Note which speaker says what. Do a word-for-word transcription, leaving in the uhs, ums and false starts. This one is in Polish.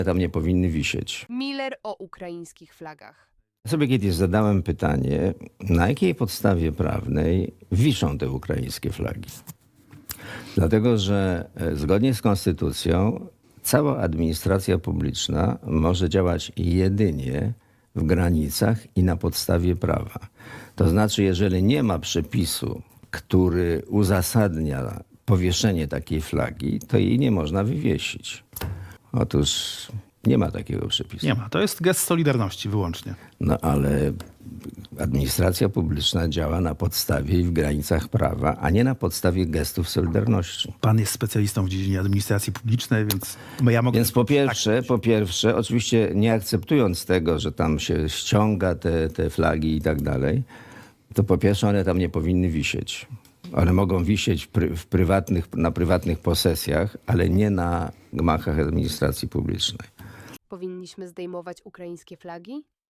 Speaker 1: Tam nie powinny wisieć.
Speaker 2: Miller o ukraińskich flagach.
Speaker 1: Sobie kiedyś zadałem pytanie, na jakiej podstawie prawnej wiszą te ukraińskie flagi? Dlatego, że e, zgodnie z konstytucją cała administracja publiczna może działać jedynie w granicach i na podstawie prawa. To znaczy, jeżeli nie ma przepisu, który uzasadnia powieszenie takiej flagi, to jej nie można wywiesić. Otóż nie ma takiego przepisu.
Speaker 3: Nie ma. To jest gest solidarności wyłącznie.
Speaker 1: No ale administracja publiczna działa na podstawie i w granicach prawa, a nie na podstawie gestów solidarności.
Speaker 3: Pan jest specjalistą w dziedzinie administracji publicznej, więc ja mogę...
Speaker 1: Więc po pierwsze, po pierwsze, oczywiście nie akceptując tego, że tam się ściąga te, te flagi i tak dalej, to po pierwsze one tam nie powinny wisieć. One mogą wisieć w, pry, w prywatnych, na prywatnych posesjach, ale nie na gmachach administracji publicznej.
Speaker 2: Powinniśmy zdejmować ukraińskie flagi?